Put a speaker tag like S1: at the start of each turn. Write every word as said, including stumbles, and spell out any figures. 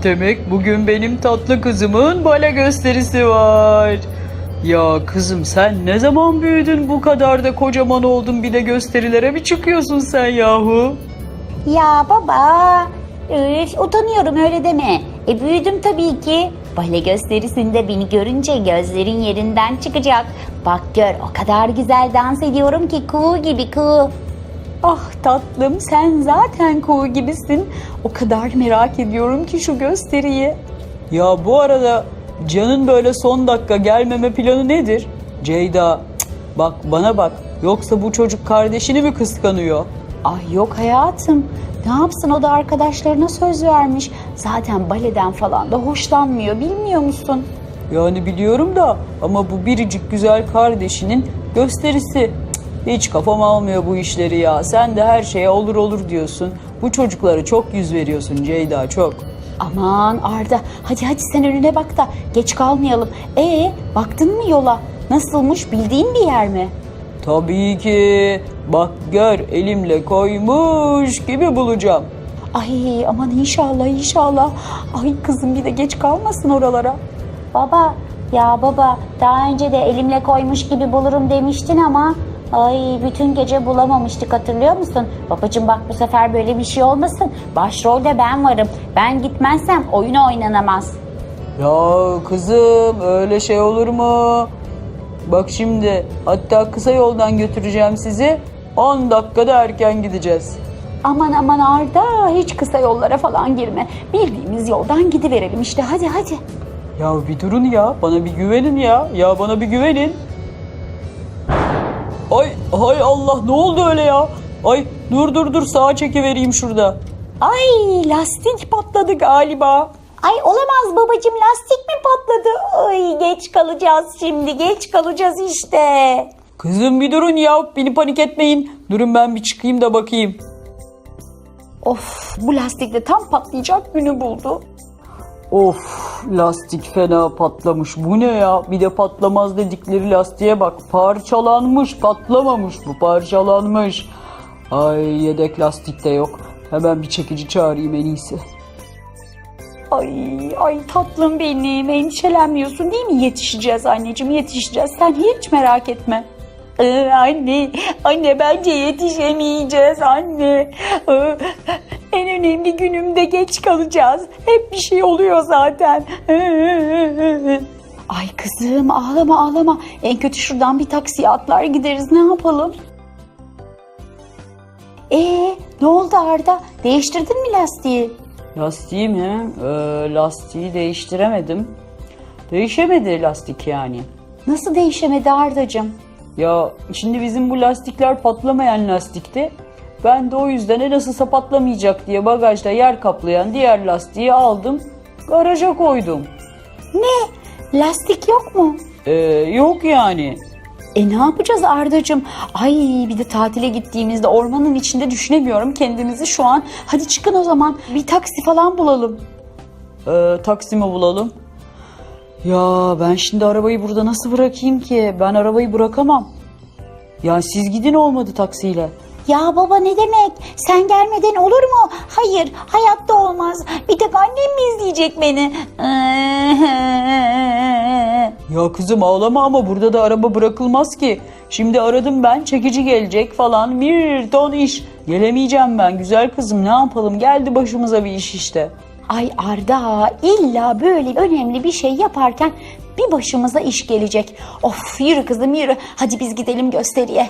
S1: Demek bugün benim tatlı kızımın bale gösterisi var. Ya kızım sen ne zaman büyüdün bu kadar da kocaman oldun bir de gösterilere mi çıkıyorsun sen yahu?
S2: Ya baba, üf, utanıyorum öyle deme. E büyüdüm tabii ki. Bale gösterisinde beni görünce gözlerin yerinden çıkacak. Bak gör, o kadar güzel dans ediyorum ki kuğu gibi kuğu.
S3: Ah tatlım, sen zaten kuğu gibisin. O kadar merak ediyorum ki şu gösteriyi.
S1: Ya bu arada Can'ın böyle son dakika gelmeme planı nedir? Ceyda, cık, bak bana bak. Yoksa bu çocuk kardeşini mi kıskanıyor?
S3: Ay yok hayatım. Ne yapsın, o da arkadaşlarına söz vermiş. Zaten baleden falan da hoşlanmıyor, bilmiyor musun?
S1: Yani biliyorum da ama bu biricik güzel kardeşinin gösterisi. Cık, hiç kafam almıyor bu işleri ya. Sen de her şeye olur olur diyorsun. Bu çocuklara çok yüz veriyorsun Ceyda, çok.
S3: Aman Arda, hadi hadi sen önüne bak da geç kalmayalım. Ee, baktın mı yola? Nasılmış, bildiğin bir yer mi?
S1: Tabii ki. Bak gör, elimle koymuş gibi bulacağım.
S3: Ay aman inşallah inşallah. Ay kızım bir de geç kalmasın oralara.
S2: Baba, ya baba, daha önce de elimle koymuş gibi bulurum demiştin ama ay bütün gece bulamamıştık, hatırlıyor musun? Babacığım bak, bu sefer böyle bir şey olmasın. Başrolde ben varım. Ben gitmezsem oyun oynanamaz.
S1: Ya kızım öyle şey olur mu? Bak şimdi hatta kısa yoldan götüreceğim sizi. on dakikada erken gideceğiz.
S3: Aman aman Arda, hiç kısa yollara falan girme. Bildiğimiz yoldan gidiverelim işte, hadi hadi.
S1: Ya bir durun ya, bana bir güvenin ya. Ya bana bir güvenin. Ay hay Allah, ne oldu öyle ya? Ay dur dur dur, sağa çekivereyim şurada.
S3: Ay lastik patladı galiba.
S2: Ay olamaz babacığım, lastik mi patladı? Ay geç kalacağız şimdi, geç kalacağız işte.
S1: Kızım bir durun ya, beni panik etmeyin. Durun ben bir çıkayım da bakayım.
S3: Of, bu lastik de tam patlayacak günü buldu.
S1: Of, lastik fena patlamış. Bu ne ya? Bir de patlamaz dedikleri lastiğe bak. Parçalanmış, patlamamış bu, parçalanmış. Ay yedek lastik de yok. Hemen bir çekici çağırayım en iyisi.
S3: Ay ay tatlım benim, endişelenmiyorsun değil mi? Yetişeceğiz anneciğim, yetişeceğiz. Sen hiç merak etme. Ee, anne, anne bence yetişemeyeceğiz anne. Ee, en önemli günümde geç kalacağız. Hep bir şey oluyor zaten. Ay kızım ağlama ağlama. En kötü şuradan bir taksiye atlar gideriz, ne yapalım? Ee, ne oldu Arda? Değiştirdin mi lastiği?
S1: Lastiği mi? Ee, lastiği değiştiremedim. Değişemedi lastik yani.
S3: Nasıl değişemedi Ardacığım?
S1: Ya şimdi bizim bu lastikler patlamayan lastikti. Ben de o yüzden e nasılsa patlamayacak diye bagajda yer kaplayan diğer lastiği aldım. Garaja koydum.
S3: Ne? Lastik yok mu?
S1: Ee, yok yani.
S3: E ne yapacağız Ardacığım? Ay bir de tatile gittiğimizde ormanın içinde düşünemiyorum kendimizi şu an. Hadi çıkın o zaman, bir taksi falan bulalım.
S1: Ee, taksimi bulalım. Ya ben şimdi arabayı burada nasıl bırakayım ki? Ben arabayı bırakamam. Ya siz gidin olmadı taksiyle.
S2: Ya baba ne demek? Sen gelmeden olur mu? Hayır, hayatta olmaz. Bir tek annem mi izleyecek beni?
S1: Ya kızım ağlama ama burada da araba bırakılmaz ki. Şimdi aradım ben, çekici gelecek falan, bir ton iş. Gelemeyeceğim ben güzel kızım, ne yapalım, geldi başımıza bir iş işte.
S3: Ay Arda, illa böyle önemli bir şey yaparken bir başımıza iş gelecek. Of yürü kızım yürü, hadi biz gidelim gösteriye.